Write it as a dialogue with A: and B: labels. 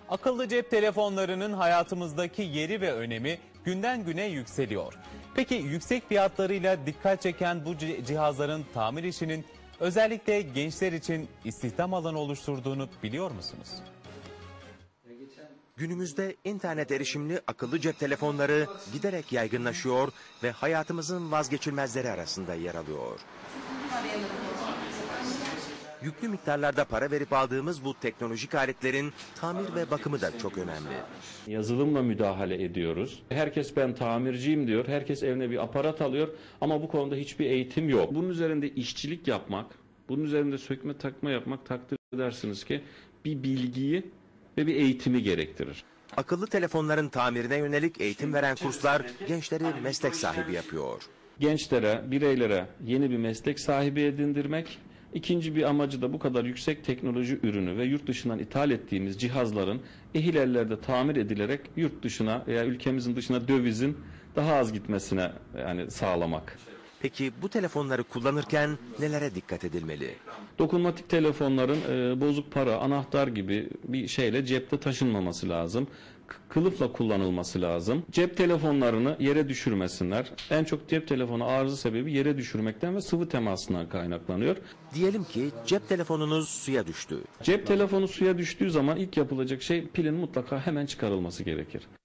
A: Akıllı cep telefonlarının hayatımızdaki yeri ve önemi günden güne yükseliyor. Peki yüksek fiyatlarıyla dikkat çeken bu cihazların tamir işinin özellikle gençler için istihdam alanı oluşturduğunu biliyor musunuz?
B: Günümüzde internet erişimli akıllı cep telefonları giderek yaygınlaşıyor ve hayatımızın vazgeçilmezleri arasında yer alıyor. Yüklü miktarlarda para verip aldığımız bu teknolojik aletlerin tamir ve bakımı da çok önemli.
C: Yazılımla müdahale ediyoruz. Herkes ben tamirciyim diyor. Herkes evine bir aparat alıyor ama bu konuda hiçbir eğitim yok. Bunun üzerinde işçilik yapmak, bunun üzerinde sökme takma yapmak takdir edersiniz ki bir bilgiyi ve bir eğitimi gerektirir.
B: Akıllı telefonların tamirine yönelik eğitim veren kurslar gençleri meslek sahibi yapıyor.
C: Gençlere, bireylere yeni bir meslek sahibi edindirmek. İkinci bir amacı da bu kadar yüksek teknoloji ürünü ve yurt dışından ithal ettiğimiz cihazların ehil ellerde tamir edilerek yurt dışına veya ülkemizin dışına dövizin daha az gitmesine sağlamak.
B: Peki bu telefonları kullanırken nelere dikkat edilmeli?
C: Dokunmatik telefonların bozuk para, anahtar gibi bir şeyle cepte taşınmaması lazım. Kılıfla kullanılması lazım. Cep telefonlarını yere düşürmesinler. En çok cep telefonu arıza sebebi yere düşürmekten ve sıvı temasından kaynaklanıyor.
B: Diyelim ki cep telefonunuz suya düştü.
C: Cep telefonu suya düştüğü zaman ilk yapılacak şey pilin mutlaka hemen çıkarılması gerekir.